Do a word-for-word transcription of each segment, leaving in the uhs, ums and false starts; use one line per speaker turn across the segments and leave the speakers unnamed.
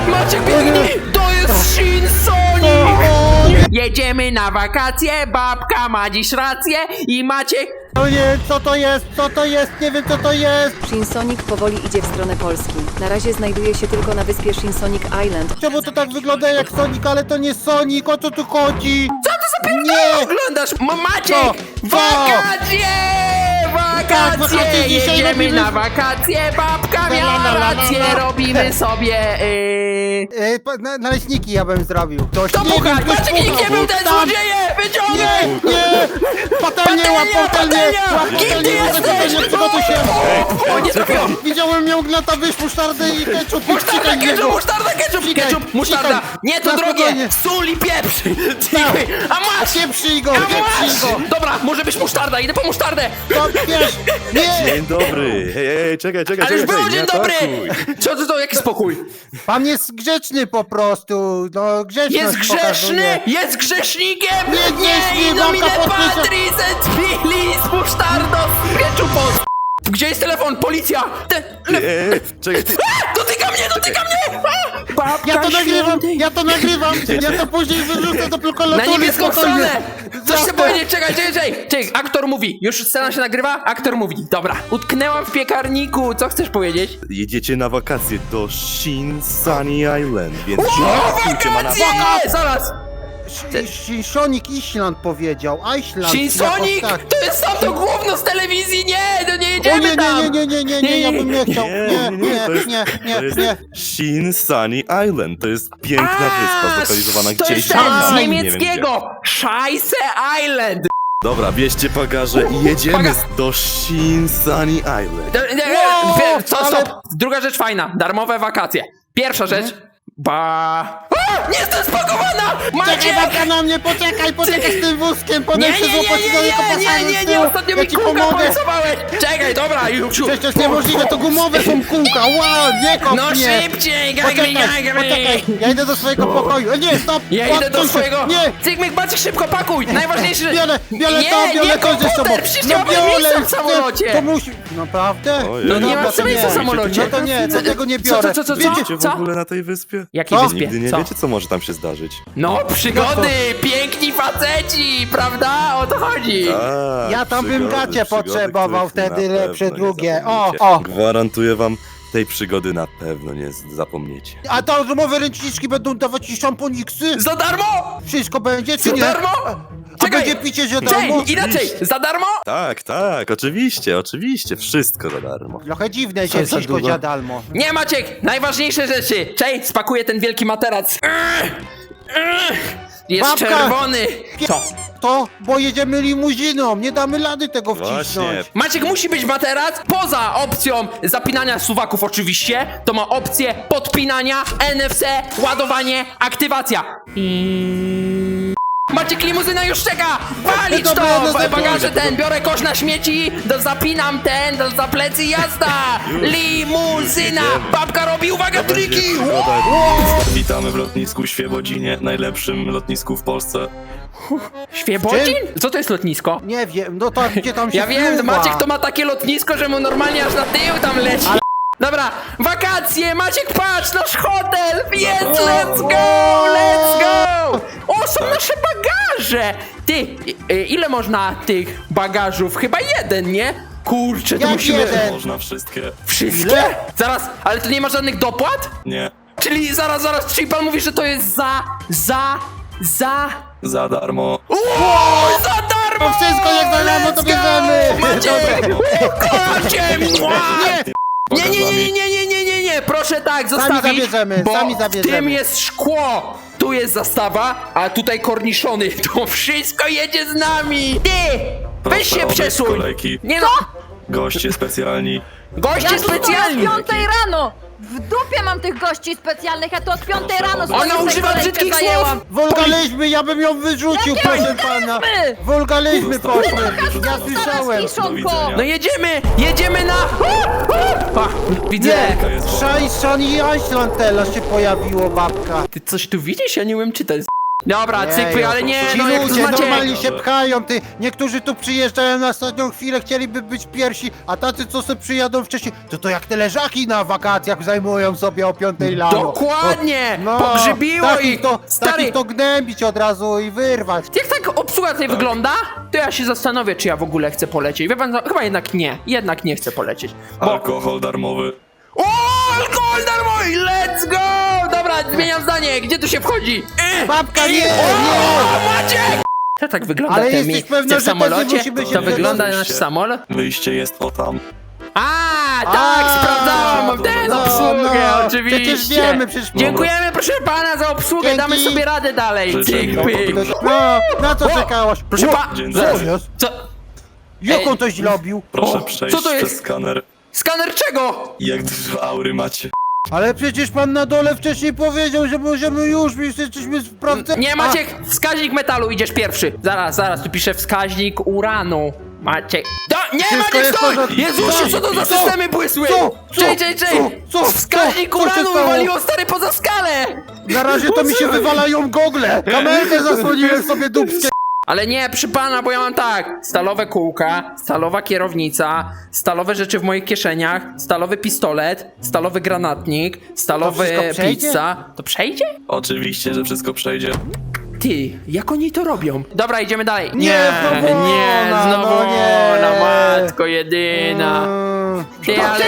Maciek, biegnij! To jest Shin Sonic! Jedziemy na wakacje, babka ma dziś rację i Maciek...
O nie, co to jest? Co to jest? Nie wiem, co to jest!
Shinsonic powoli idzie w stronę Polski. Na razie znajduje się tylko na wyspie Shinsonic Island.
Czemu to tak wygląda jak Sonic, ale to nie Sonic? O co tu chodzi?
Co ty za
Nie!
pierdołę oglądasz? Ma Maciek!
Co? Co?
Wakacje!
Tak,
Wakacje!
wakacje dzisiaj
Jedziemy
robimy.
na wakacje, babka
La, la,
miała
la, la, la,
rację,
la.
robimy sobie... Yy...
E, pa- na, naleśniki ja bym zrobił. Ktoś
To
nie
puchać!
wiem, ktoś
Maciek, nikt nie
puchał.
był ten
Tam.
złodzieje! Wyciągnij!
Nie, nie! Patelnie, łap patelnie!
patelnia!
Łap
Kim
patelnie,
ty
łap
jesteś?
patelnie, przygotuj się!
O, nie trafiłem!
Widziałem ją gnata, wysz, musztardę i ketchup i
Musztarda,
wciskaj w
ketchup,
niego.
musztarda, ketchup,
Wciskaj,
ketchup, musztarda!
wciskaj.
Nie, to
Na
drogie!
spokojnie.
Sól i pieprz! Czekaj, a masz!
Pieprzyj go,
A
pieprzyj go!
masz! Dobra, może być musztarda, idę po musztardę!
To wiesz, nie!
Dzień dobry! Hej, hej, czekaj, czekaj,
Ale już
czekaj,
było
nie
dzień dobry!
atakuj.
Co to, to, jaki spokój?
Pan jest grzeczny po prostu, no grzeczność
Jest grzeszny!
pokazuje.
Jest grzesznikiem!
Nie, nie, nie,
Nomine
babka podniesie-
Patris et Filis musztardos ketchupos! Gdzie jest telefon? Policja! Te... Le...
Ej, czekaj, ty...
A! Dotyka mnie, dotyka mnie! A! Babka
Ja to nagrywam,
świętej.
ja to nagrywam, ja to później wyrzucę do
Na
prokolatury.
niebieską stronę! Coś chcę
Jasne.
powiedzieć, czekaj, czekaj, czekaj! Czekaj, aktor mówi. Już scena się nagrywa? Aktor mówi. Dobra. Utknęłam w piekarniku. Co chcesz powiedzieć?
Jedziecie na wakacje do Shin Sunny Island, więc
O,
żartujcie ma na
wakacje! Zaraz!
Sonic Island powiedział, Iceland.
Shin
jakoś
Sonic!
tak.
To jest tam to gówno z telewizji! Nie, to nie
O
jedziemy
nie,
tam!
nie, nie, nie, nie, nie, ja bym nie chciał.
Nie, nie, nie, to jest,
nie, nie,
to jest
nie.
Shin Sunny Island. To jest piękna wyspa zlokalizowana
to
gdzieś
jest
tam,
ten z
tam, nie wiem
niemieckiego! Scheisse Island!
gdzie. Dobra, bierzcie bagaże i jedziemy
Baga-
do Shin Sunny Island.
D- d-
Wow,
wie- Co,
ale-
stop! Druga rzecz fajna. Darmowe wakacje. Pierwsza rzecz. Ba... A! Nie jestem spakowana!
Czekaj,
Maciek!
babka na mnie, poczekaj, poczekaj z tym wózkiem,
Nie,
potem
nie,
się
nie, nie,
złapać
nie,
do niego
nie, nie,
pasażer
nie,
z
nie,
tyłu.
ostatnio
Ja
mi
ci
kółka
pomogę.
porysowałeś! Czekaj, dobra, Juksiu!
Przecież to jest niemożliwe, to gumowe są kółka, wow, nie kop
No
mnie.
szybciej,
Poczekaj,
gagry, gagry!
poczekaj, ja idę do swojego pokoju. O nie, stop!
Ja idę do
odsuń się.
swojego...
Nie!
Cygmyk, Maciek, szybko pakuj! Najważniejsze...
Biorę, biorę
nie,
to, biorę
nie
to ze sobą.
komputer, przecież nie mamy miejsca w
chcę,
samolocie!
To musi... Naprawdę?
Ojej.
No nie
dobra,
ma
to
miejsca w
nie.
samolocie!
No to nie, to tego nie
Co,
biorę.
co, co, co,
Wiecie,
Wiecie w
co?
ogóle na tej wyspie?
Jakiej
Co?
wyspie?
Nigdy nie
Co?
wiecie, co może tam się zdarzyć.
No, przygody! Piękni faceci, prawda? O to chodzi!
Tak,
Ja tam bym
przygody,
gacie
przygody,
potrzebował
których
wtedy
na
lepsze
pewno nie
drugie. O,
zapomnicie.
o.
Gwarantuję wam, tej przygody na pewno nie z- zapomniecie.
A to rozmowy ręczniczki będą dawać ci szamponiksy?
Za darmo!
Wszystko będzie, czy
Za
nie?
darmo!
A będzie picie za darmo?
Cześć, inaczej, za darmo?
Tak, tak, oczywiście, oczywiście, wszystko za darmo.
Trochę dziwne,
Co
że
za
wszystko
długo?
za darmo.
Nie, Maciek, najważniejsze rzeczy. Cześć, spakuję ten wielki materac. Ech, ech, Jest
Babka!
czerwony. Co?
To, bo jedziemy limuziną, nie damy rady tego
Właśnie.
wcisnąć.
Maciek, musi być materac. Poza opcją zapinania suwaków oczywiście, to ma opcję podpinania, N F C, ładowanie, aktywacja. I... Maciek, limuzyna już czeka! Walić to!
Dobra, no
W
dobra.
bagaże ten, biorę kosz na śmieci, do zapinam ten, do za plecy jazda! Limuzyna! Babka robi, uwaga, triki!
Witamy w lotnisku Świebodzinie, najlepszym lotnisku w Polsce.
Świebodzin? Co to jest lotnisko?
Nie wiem, no to gdzie tam się
Ja wiem,
wpływa?
Maciek to ma takie lotnisko, że mu normalnie aż na tył tam leci. Dobra, wakacje, Maciek, patrz, nasz hotel! Jest, let's go, let's go! O, są nasze bagaże! Ty, i- i- ile można tych bagażów? Chyba jeden, nie? Kurczę, to
Jak
musimy...
jeden?
Można wszystkie.
Wszystkie?
Ile?
Zaraz, ale tu nie ma żadnych dopłat?
Nie,
Czyli zaraz, zaraz, czyli pan mówi, że to jest za, za, za...
za darmo.
O, za darmo!
To wszystko jak za darmo, to
Let's go!
bierzemy!
Maciek! Kocie!
Nie!
Nie, nie, nie, nie, nie, nie, nie, nie, nie, proszę tak, zostawić,
zabierzemy,
bo
sami
w
zabierzemy.
tym jest szkło, tu jest zastawa, a tutaj korniszony, to wszystko jedzie z nami. Ty, weź
Proszę
się
odejść z
przesuń.
kolejki.
Nie no,
Goście specjalni.
goście
Ja tu od
specjalni.
piątej rano! W dupie mam tych gości specjalnych, ja tu od piątej
Proszę
rano
o-
swoją
Ona używa
kolejkę
brzydkich
zajęłam.
słów.
Wulgaryzmy, ja bym ją wyrzucił,
Jakie
proszę pana!
wulgaryzmy?
Wulgaryzmy
Zostały
poszły!
wyrzucone.
Ja słyszałem!
Do
Kiszonko!
widzenia.
No jedziemy, jedziemy na... A, widzę.
Nie!
jest woda.
Szaj, Shani Iceland teraz się pojawiło, babka!
Ty coś tu widzisz? Ja nie umiem czytać. Dobra,
Jeju,
cykły, ale nie,
Ci
no jak to
ludzie
Maciek.
normalnie się pchają, ty. Niektórzy tu przyjeżdżają na ostatnią chwilę, chcieliby być pierwsi, a tacy, co sobie przyjadą wcześniej, to to jak te leżaki na wakacjach zajmują sobie o piątej rano.
Dokładnie!
O,
Pogrzybiło
takich
ich!
to,
Stary,
takich to gnębić od razu i wyrwać.
jak tak obsługa tutaj wygląda, to ja się zastanowię, czy ja w ogóle chcę polecieć. Wie pan, no, chyba jednak nie. Jednak nie chcę polecieć. Bo...
Alkohol darmowy.
O, alkohol darmowy! Let's go! Dobra, zmieniam zdanie. Gdzie tu się wchodzi? Y,
Babka,
y,
nie,
o, Maciek! To tak wygląda
Ale
te
jesteś
mi-
pewna,
w
że
samolocie?
też musimy się
To wygląda
wyjść?
nasz samolot?
Wyjście jest o tam.
A, tak,
A,
sprawdzałam ten
no,
obsługę,
no,
oczywiście.
przecież wiemy, przecież-
Dziękujemy, proszę pana, za obsługę,
Dzięki.
damy sobie radę dalej.
Życzę
Pyk, pyk.
miłego
No, na co
O,
czekałaś?
Proszę
O,
pa...
Dzień
Co
dobry.
jest?
Co?
Jak
Ej.
on to zrobił?
Proszę
O,
przejść
co to jest?
przez skaner.
Skaner czego?
Jak dużo aury macie.
Ale przecież pan na dole wcześniej powiedział, że możemy już, my jesteśmy sprawdzeni.
Nie, Maciek, wskaźnik metalu, idziesz pierwszy. Zaraz, zaraz, tu piszę wskaźnik uranu. Maciek. Do, nie,
Wszystko
Maciek,
jest w
stój!
porządku.
Jezusie, co to za
Co?
systemy błysły?
Co? Co?
Czej, czej, czej!
Co? Co?
Wskaźnik
Co? Co się
uranu
stało?
wywaliło stary poza skalę!
Na razie to mi się wywalają gogle. Kamerkę zasłoniłem sobie dupskie.
Ale nie, przy pana, bo ja mam tak. Stalowe kółka, stalowa kierownica, stalowe rzeczy w moich kieszeniach, stalowy pistolet, stalowy granatnik, stalowy
wszystko przejdzie?
pizza. To przejdzie?
Oczywiście, że wszystko przejdzie.
Ty, jak oni to robią? Dobra, idziemy dalej.
Nie, znowu
nie,
ona,
znowu
no nie.
ona, matko jedyna.
Mm,
Ty, ale...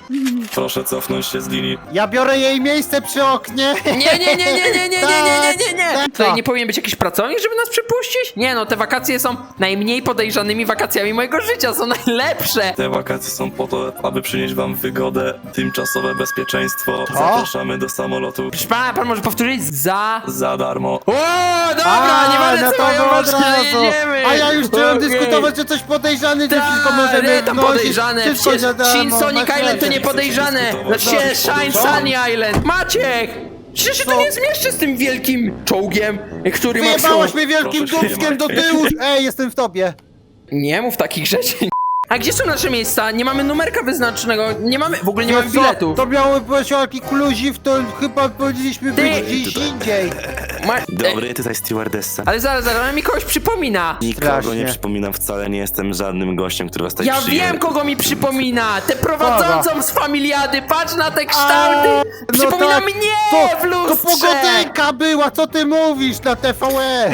Proszę cofnąć się z linii.
Ja biorę jej miejsce przy oknie.
Nie, nie, nie, nie, nie, nie, nie, nie, nie, nie, nie.
Tak,
Tutaj
tak.
nie powinien być jakiś pracownik, żeby nas przypuścić? Nie no, te wakacje są najmniej podejrzanymi wakacjami mojego życia, są najlepsze.
Te wakacje są po to, aby przynieść wam wygodę, tymczasowe bezpieczeństwo. Zapraszamy do samolotu
Proszę pana, pan może powtórzyć? Za...
za darmo.
O, dobra,
A,
nie
no
będę
to
co mają
od
ważne,
razu.
jedziemy.
A ja już chciałem
Okej.
dyskutować, że coś podejrzany, że wszystko
Tak,
możemy
nie, tam
wnosić,
podejrzane,
wszystko
przecież
za darmo,
Shin Sonic
masz
Island to
rację.
nie podejrzane.
dyskutować.
Znaczy się Shine
Co?
Sunny Island. Maciek! Przecież się tu
Co?
nie zmieszczę z tym wielkim czołgiem, który ma
Wyjebałaś
wsią-
mnie wielkim
Proszę się nie
dubskiem do
martwić.
tyłu. Ej, jestem w tobie.
Nie mów takich rzeczy. A gdzie są nasze miejsca? Nie mamy numerka wyznaczonego, nie mamy, w ogóle nie mamy
Wiesz co?
biletu.
To miały być jaki kluziw, to chyba powinniśmy
Ty-
być gdzieś indziej.
Ma... e,
Dobry, tutaj stewardessa.
Ale zaraz, zaraz, ona mi kogoś przypomina.
Nikogo
Strasznie.
nie przypominam, wcale nie jestem żadnym gościem, który was tutaj
Ja
przyjął.
wiem, kogo mi przypomina! Tę prowadzącą z familiady, patrz na te
A,
kształty!
no
Przypomina
tak,
mnie
to,
w
To
lustrze!
pogodynka była, co ty mówisz na T V E?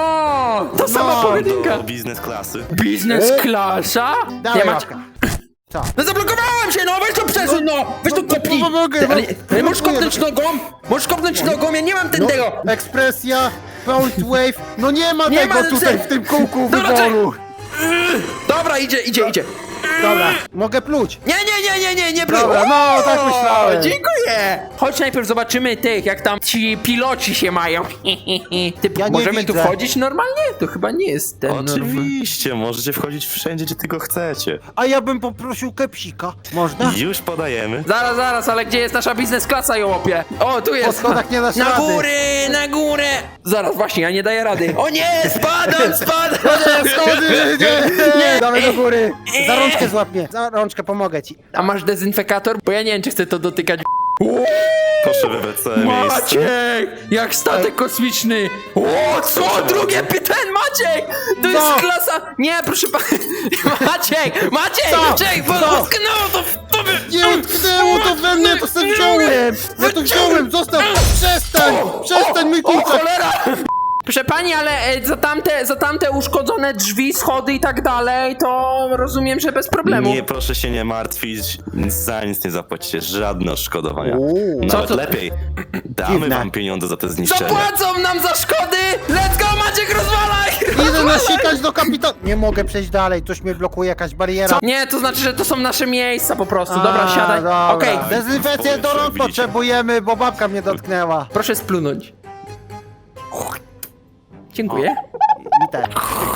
No, to sama
No,
pojedynka.
Do biznes klasy.
Biznes
E?
klasa?
Dawaj,
Nie, Macie-
łapka. Co?
No zablokowałem się, no weź to przesuń, no! Weź to
No, no,
kopnij!
pomogę,
Ty, ale,
no,
ale możesz
próbuję.
kopnąć nogą? Możesz kopnąć nogą, ja nie mam
No,
tego!
ekspresja, Bounce Wave, no nie ma
Nie
tego
ma,
tutaj
co-
w tym kółku
Dobra,
wyboru.
Dobra, idzie, idzie, idzie.
Dobra, mogę pluć.
Nie, nie, nie, nie, nie, nie, bro.
Dobra, no, tak myślałem.
Dziękuję. Chodź najpierw zobaczymy tych, jak tam ci piloci się mają. Ty,
Ja nie
możemy tu
widzę.
wchodzić normalnie? To chyba nie jest ten normalny.
Oczywiście, możecie wchodzić wszędzie, gdzie tylko chcecie.
A ja bym poprosił kepsika. Można?
Już podajemy.
Zaraz, zaraz, ale gdzie jest nasza biznes klasa, jołopie? O, tu jest.
Po schodach nie dasz
Na
rady.
góry, na górę. Zaraz, właśnie, ja nie daję rady. O nie, spadam, spadam.
Schody, nie, nie,
Nie.
damy do góry. Za rączkę złap mnie, za rączkę pomogę ci.
A masz dezynfekator? Bo ja nie wiem, czy chcę to dotykać.
Proszę wybrać całe miejsce.
Maciek! Jak statek kosmiczny! O, co? Drugie pytanie, Maciek! To jest
Co?
klasa... Nie, proszę pana... Maciek! Maciek!
Co?
Maciek! Bo
Co?
utknęło to w tobie!
Nie utknęło to we mnie, to sobie wziąłem. Ja to wziąłem, zostaw, przestań, przestań mój
O,
kurczak.
cholera! Proszę pani, ale e, za tamte, za tamte uszkodzone drzwi, schody i tak dalej, to rozumiem, że bez problemu.
Nie, proszę się nie martwić, za nic nie zapłacicie, żadne odszkodowania.
Uuu.
Nawet
Co to-
lepiej, damy
Dziwne.
wam pieniądze za te zniszczenia.
Zapłacą nam za szkody! Let's go, Maciek, rozwalaj!
Idę nasikać do kapitana. Nie mogę przejść dalej, coś mnie blokuje, jakaś bariera.
Nie, to znaczy, że to są nasze miejsca po prostu. Dobra,
A,
siadaj.
dobra.
Okej,
Dezynfekcję do rąk
Widzicie?
potrzebujemy, bo babka mnie dotknęła.
proszę splunąć. Dziękuję.
I tak.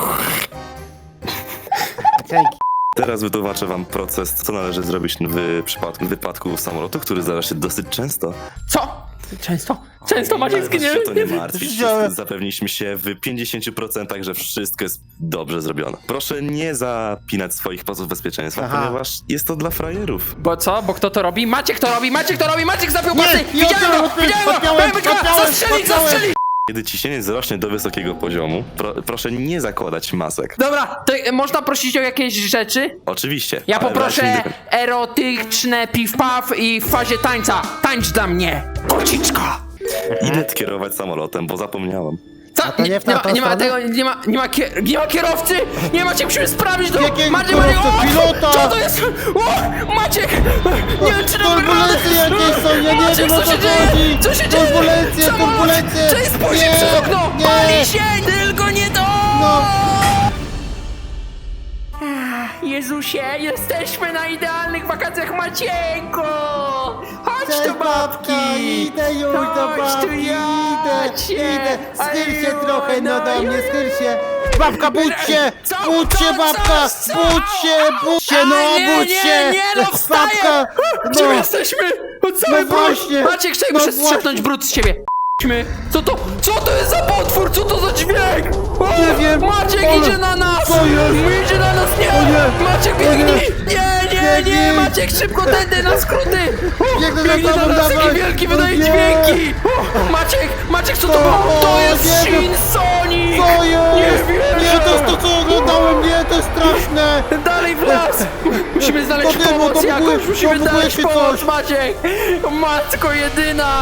Dzięki.
Teraz wytłumaczę wam proces, co należy zrobić w przypadku wypadku samolotu, który zdarza się dosyć często.
Co? Często? Często Maciek
Proszę
zginie.
się to nie martwić,
Wziąłem.
zapewniliśmy się w pięćdziesięciu procentach, że wszystko jest dobrze zrobione. Proszę nie zapinać swoich pasów bezpieczeństwa,
Aha.
ponieważ jest to dla frajerów.
Bo co? Bo kto to robi? Maciek to robi! Maciek to robi! Maciek zapiął
Nie,
pasy!
ja
Widziałem
odpiąłem,
go! Widziałem go!
odpiąłem,
Powiem go!
odpiąłem,
Zastrzelić!
odpiąłem.
Zastrzelić!
Kiedy ciśnienie wzrośnie do wysokiego poziomu, pro, proszę nie zakładać masek.
Dobra, to e, można prosić o jakieś rzeczy?
Oczywiście.
Ja
ale
poproszę
weźmy do-
erotyczne piw-paw i w fazie tańca. Tańcz dla mnie, kociczka!
Idę kierować samolotem, bo zapomniałem.
Co?
to nie w
nie, ma,
tamtą
nie ma
stronę?
tego, nie ma, nie ma, kier, nie ma kierowcy! Nie macie, musimy sprawdzić to!
Jakiego
Maciek,
kierowcy?
Maciek, o,
Pilota!
Co to jest? O, Maciek! Nie wiem, czy dam
Turbulencje
radę.
jakieś są, ja nie
Maciek,
wiem, o
co
co
się dzieje?
chodzi.
Co się dzieje?
Turbulencje,
Samolot!
turbulencje.
Cześć, spójrz
Nie,
przez okno!
nie.
Pali się! Tylko nie to!
No.
Jezusie, jesteśmy na idealnych wakacjach Macieńko! Chodź
Cześć,
tu, babki!
babka, idę już do
Chodź tu,
babki,
ja
idę,
cię.
idę. Schyl się
Aju,
trochę, no do mnie,
aju.
schyl się. Babka, budź się,
Co?
budź się,
Co?
babka,
Co?
budź się, budź się, no
A, nie,
budź
nie,
się.
nie, no wstaję!
Babka,
Gdzie my
no.
jesteśmy? O, cały
No właśnie.
Maciek, czekaj,
No
muszę
właśnie.
strzepnąć brud z ciebie. Idźmy. Co to? Co to jest za potwór? Co to za dźwięk? O,
Nie wiem,
Maciek
ale-
idzie na nas!
Co jest?
Idzie na nas, nie!
O nie.
Maciek
O nie.
biegnij! Nie, nie, nie!
Biegnij.
Maciek, szybko tędy na skróty! O,
Biegnę za
biegnie na
tobą,
nas,
dawaj.
jaki wielki
O
wydaje
nie.
dźwięki! O, Maciek, Maciek, co to
O,
było? To jest
nie wiem.
Shin Sonic!
Co jest?
Nie wierzę!
Nie, to jest to, co oglądałem, nie, to jest straszne.
Dalej w las! Musimy znaleźć
To wiem, bo
pomoc
to
jakąś,
buguje-
musimy
to buguje
znaleźć
się
pomoc,
coś.
Maciek! Matko jedyna!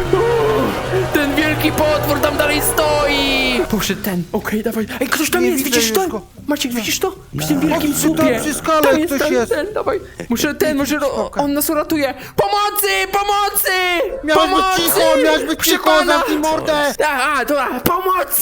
Uuu, ten wielki potwór tam dalej stoi! Poszedł ten, okej, dawaj. Ej, ktoś tam
Nie
jest,
widzę
widzisz to?
już go.
Maciek, widzisz to? Przy tym wielkim
Przy- tam
słupie.
przy skale
Tam jest,
ktoś
tam
jest.
ten, dawaj. Muszę ten, może ro- on nas uratuje. Pomocy, pomocy!
Miałeś być
pomocy!
cicho, miałeś być
Proszę
cicho,
pana.
zamknij mordę.
A, dobra, pomocy!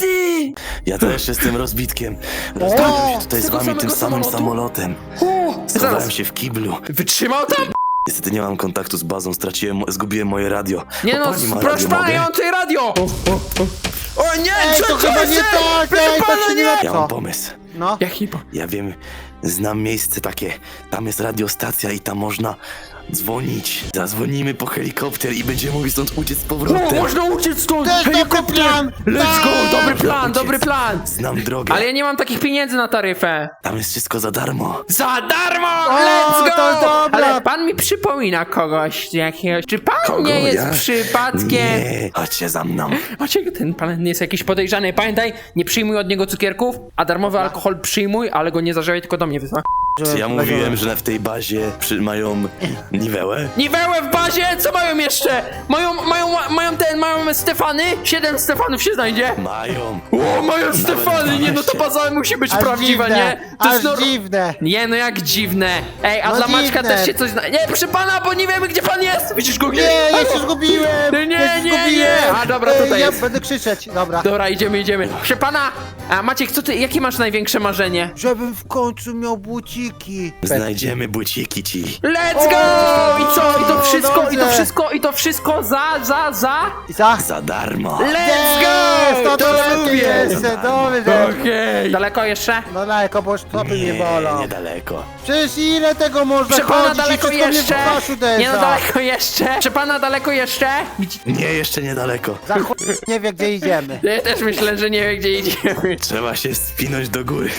Ja też jestem rozbitkiem.
O,
Rozbiłem się tutaj
z
z
tego
wami tym
samego
samym
samolotu?
samolotem.
O,
Schowałem
zaraz,
się w kiblu.
wytrzymał tam?
Niestety nie mam kontaktu z bazą, straciłem, zgubiłem moje radio.
Nie
O,
no,
pani ma
proszę
radio,
pana,
mogę?
ja mam tutaj radio! O, o, o. o nie,
Ej,
co
to chyba
jest?
nie tak,
Proszę
ej, to
pana,
się nie
nie!
da.
Ja
Co?
mam pomysł.
No.
Jaki po...
Ja wiem, znam miejsce takie. Tam jest radiostacja i tam można dzwonić. Zadzwonimy po helikopter i będziemy mogli stąd uciec z
O,
powrotem.
można uciec stąd!
Też dobry
Helikopter!
plan!
Let's go,
Tak!
dobry plan,
Uciec.
dobry plan!
Znam drogę.
Ale ja nie mam takich pieniędzy na taryfę.
Tam jest wszystko za darmo.
Za darmo!
O,
Let's go!
to dobra.
Ale pan mi przypomina kogoś jakiegoś. Czy pan
Kogo?
nie jest
Ja?
przypadkiem?
Nie, chodźcie za mną.
Macie, ten pan jest jakiś podejrzany. Pamiętaj, nie przyjmuj od niego cukierków, a darmowy alkohol przyjmuj, ale go nie zażywaj, tylko do mnie wysła.
Czy ja mówiłem, że w tej bazie przy, mają niwełę?
Niwełę w bazie, co mają jeszcze? Mają, mają, mają ten, mają Stefany? Siedem Stefanów się znajdzie.
Mają.
O, mają Stefany, nie no to baza musi być
Aż
prawdziwa,
dziwne,
nie? To
aż
jest nor-
dziwne.
Nie no jak dziwne. Ej, a
No
dla Maćka
dziwne.
też się coś zna... Nie, proszę pana, bo nie wiemy gdzie pan jest. Widzisz go
Nie, ja się zgubiłem.
Nie, nie,
ja się
nie,
zgubiłem.
nie. A, dobra,
Ej,
tutaj
ja
jest.
będę krzyczeć, dobra.
Dobra, idziemy, idziemy. Proszę pana, a Maciek, co ty, jakie masz największe marzenie?
Żebym w końcu miał buciki.
Znajdziemy buciki ci.
Let's go! I co? I to wszystko, i to
dobrze.
wszystko, i to wszystko za, za, za?
I za?
Za darmo.
Let's
Jest,
go!
to to lepiej
lubię.
jeszcze, dobrze.
Okej. Daleko jeszcze?
No daleko, bo stopy mnie bolą.
niedaleko.
Przecież ile tego można
Proszę pana,
chodzić i
daleko
wszystko mnie
jeszcze?
w twarz uderza.
Nie no, daleko jeszcze. Proszę pana, daleko jeszcze? Gdzie...
Nie, jeszcze niedaleko.
Za chuj nie wie, gdzie idziemy.
Ja też myślę, że nie wie gdzie idziemy.
Trzeba się spinąć do góry.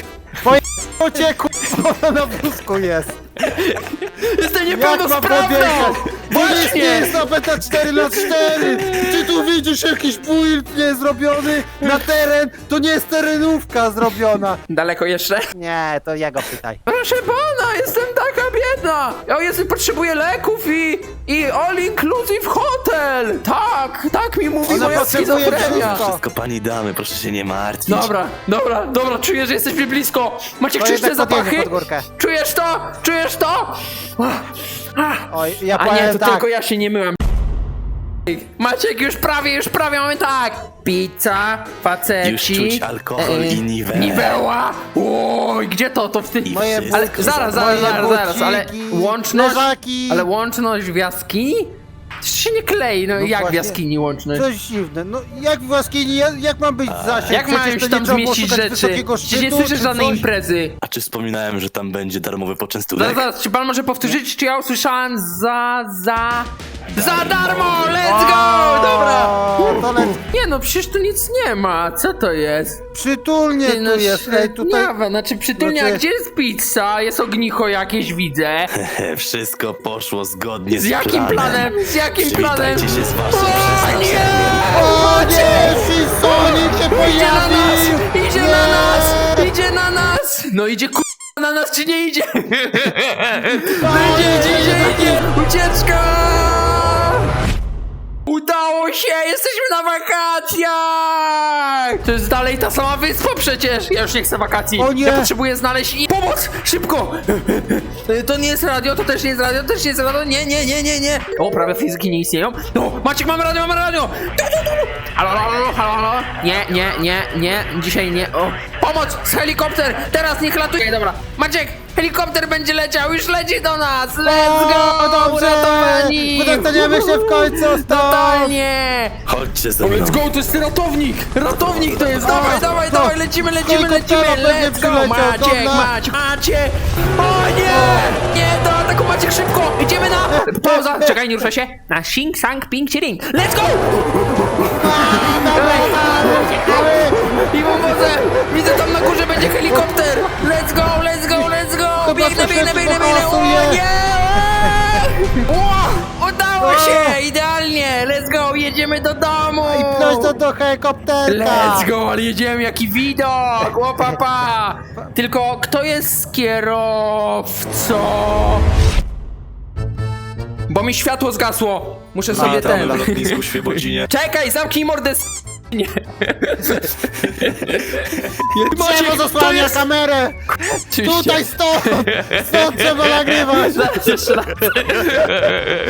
Poje kurwa, na wózku jest.
Jestem
Jak mam
niepełnosprawną!
podjechać? Bo jest, nie
Właśnie!
jest napęta cztery na cztery. Czy tu widzisz jakiś build nie zrobiony na teren? To nie jest terenówka zrobiona.
Daleko jeszcze?
Nie, to ja go pytaj.
Proszę pana, jestem taka biedna! Ja jestem, potrzebuję leków i... i all inclusive hotel! Tak, tak mi mówi
Ona
moja
potrzebuje
schizofrenia.
wszystko.
Wszystko pani damy, proszę się nie martwić.
Dobra, dobra, dobra, czuję, że jesteśmy blisko. Maciek,
To
czujesz te
jednak podjedzie
zapachy?
pod górkę.
Czujesz to? Czujesz to?
Oj, ja
A nie,
powiem
to
tak.
tylko ja się nie myłem. Maciek, już prawie, już prawie mamy tak. Pizza, faceci.
Już czuć alkohol i niwełę.
Niweła. Oj, gdzie to? To w ty...
I
Moje
wszystko
Ale
za
zaraz,
darmo.
zaraz,
Moje
zaraz, zaraz, ale
buciki,
łączność...
leżaki.
Ale łączność w jaskini? To się nie klei, no,
No
jak w
właśnie.
jaskini łączność?
Coś dziwne. No jak w jaskini, jak, jak mam być zasięg?
Jak mają
Przecież
się
to
tam
nie trzeba było
zmieścić
szukać
rzeczy?
wysokiego
Przecież nie
szczytu,
słyszę
czy
żadnej
coś.
imprezy.
A czy wspominałem, że tam będzie darmowy poczęstunek?
Zaraz, zaraz, czy pan może powtórzyć, czy ja usłyszałem za, za... Za darmo! Let's go! Dobra!
O, to lec...
Nie no, przecież tu nic nie ma, co to jest?
Przytulnie
Ty, no,
tu jest, ej, tutaj...
średniawe, znaczy przytulnie,
Znaczy-
a gdzie jest pizza? Jest ognicho jakieś, widzę.
Wszystko poszło zgodnie z,
Z jakim
planem.
planem? Z jakim planem?
Przywitajcie się z waszym
O
przeznaczeniem.
nie!
O nie, Shinson!
No idzie ku... na nas czy nie idzie? No idzie, idzie, idzie, idzie! Ucieczka! Udało się! Jesteśmy na wakacjach! To jest dalej ta sama wyspa przecież! Ja już nie chcę wakacji!
O nie!
Ja potrzebuję znaleźć i... Pomoc! Szybko! To nie jest radio, to też nie jest radio, to też nie jest radio, nie, nie, nie, nie, nie! O, prawie fizyki nie istnieją. No, Maciek, mamy radio, mamy radio! Tu, tu, tu, tu. Halo, halo, halo, halo, halo! Nie, nie, nie, nie, dzisiaj nie, o! Pomoc! Z helikopter! Teraz niech latuje! Dobra, Maciek! Helikopter będzie leciał, już leci do nas! Let's go!
O, dobrze!
Uratowani!
Dostaniemy się w końcu stąd!
Totalnie!
Chodźcie ze
O,
mną.
let's go, to jest ratownik! Ratownik to jest! Dawaj,
No,
dawaj,
no.
dawaj, lecimy, lecimy,
Helikoptera
lecimy!
będzie
Let's go!
przyleciał,
Maciek,
dobra.
Maciek, Maciek! O nie! Nie, do ataku Maciek, szybko! Idziemy na... Pauza! Czekaj, nie ruszaj się! Na sing, sang, ping, chilling! Let's go! I wodę! Widzę tam na górze będzie helikopter! Let's go, let's go, let's go!
Chyba
Biegnę,
to
biegnę,
się
biegnę, biegnę! O
pokasuje.
nie! O, udało się! Idealnie! Let's go, jedziemy do domu!
I pnąć to do helikopterka!
Let's go, ale jedziemy, jaki widok! O papa! Tylko kto jest kierowcą? Bo mi światło zgasło. Muszę sobie
Witamy
ten...
na lotnisku w Świebodzinie.
Czekaj, zamknij mordę s... Nie.
Drzewo zasłania kamerę!
Oczywiście.
Tutaj stąd! Stąd trzeba nagrywać!
Jeszcze raz.